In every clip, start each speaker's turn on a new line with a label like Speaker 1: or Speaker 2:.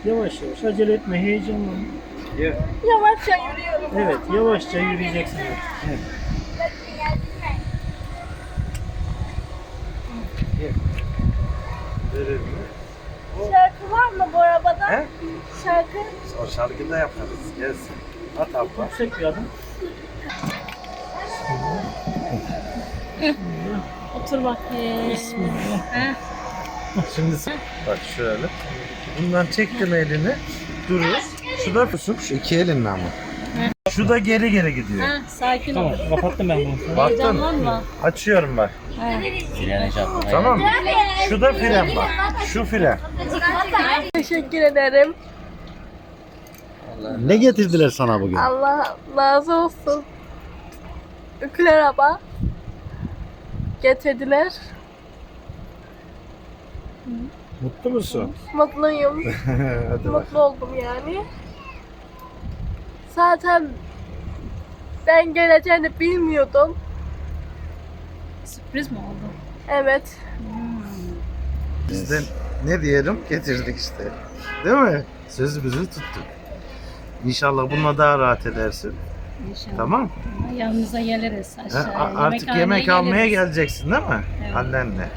Speaker 1: Yavaş yavaş, acele etme, heyecanlanma.
Speaker 2: Yavaşça yürüyorum.
Speaker 1: Evet, yavaşça yürüyeceksin. Evet.
Speaker 2: Şarkı var mı bu arabada?
Speaker 3: He?
Speaker 2: Şarkı.
Speaker 3: O şarkıyı da yaparız. Gelsin. At abla.
Speaker 1: Yüksek bir adım.
Speaker 2: Otur bakayım.
Speaker 1: Bismillah.
Speaker 3: Şimdi bak şöyle. Bundan çektin elini. Durur. Şu da tutsun. Şu iki elinle ama. Şu da geri geri gidiyor.
Speaker 2: Sakin ol.
Speaker 1: Tamam, kapattım ben bunu.
Speaker 3: Baktın.
Speaker 2: Heyecanlanma.
Speaker 3: Açıyorum bak.
Speaker 4: Frene çarpma.
Speaker 3: Tamam mı? Şu da fren bak. Şu fren.
Speaker 2: Teşekkür ederim.
Speaker 3: Ne getirdiler sana bugün?
Speaker 2: Allah razı olsun. Ükül araba getirdiler.
Speaker 3: Mutlu musun?
Speaker 2: Mutluyum.
Speaker 3: Hadi bak.
Speaker 2: Mutlu oldum yani. Zaten ben geleceğini bilmiyordum.
Speaker 5: Sürpriz mi oldu?
Speaker 2: Evet.
Speaker 3: Biz de ne diyelim getirdik işte. Değil mi? Sözümüzü tuttuk. İnşallah bununla daha rahat edersin.
Speaker 5: İnşallah.
Speaker 3: Tamam.
Speaker 5: Yanınıza geliriz
Speaker 3: Ha,
Speaker 5: aşağıya.
Speaker 3: artık yemek almaya
Speaker 5: geliriz.
Speaker 3: geleceksin değil mi?
Speaker 5: Evet.
Speaker 3: Annenle.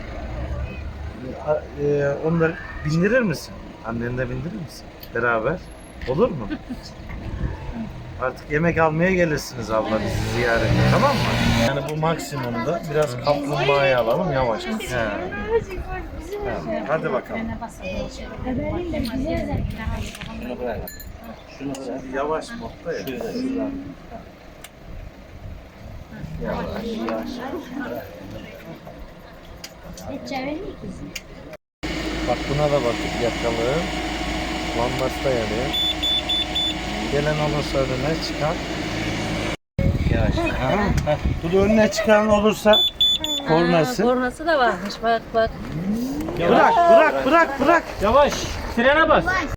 Speaker 3: Onları bindirir misin? Annenle bindirir misin? Beraber. Olur mu? Artık yemek almaya gelirsiniz abla bizi ziyarete, tamam mı? Yani bu maksimumda biraz kaplumbağayı alalım yavaş. He. Hadi bakalım.
Speaker 5: Frene basalım.
Speaker 4: Şunu bırak. Şunu bırak.
Speaker 3: Şimdi yavaş modda ya. Yavaş. Bak buna da bakıp yakalım. Lambası da yanıyor. Gelen olursa önüne çıkan. Yavaş. Bu da önüne çıkan olursa kornası.
Speaker 2: Kornası da varmış bak bak.
Speaker 3: Bırak.
Speaker 1: Yavaş, frene bas.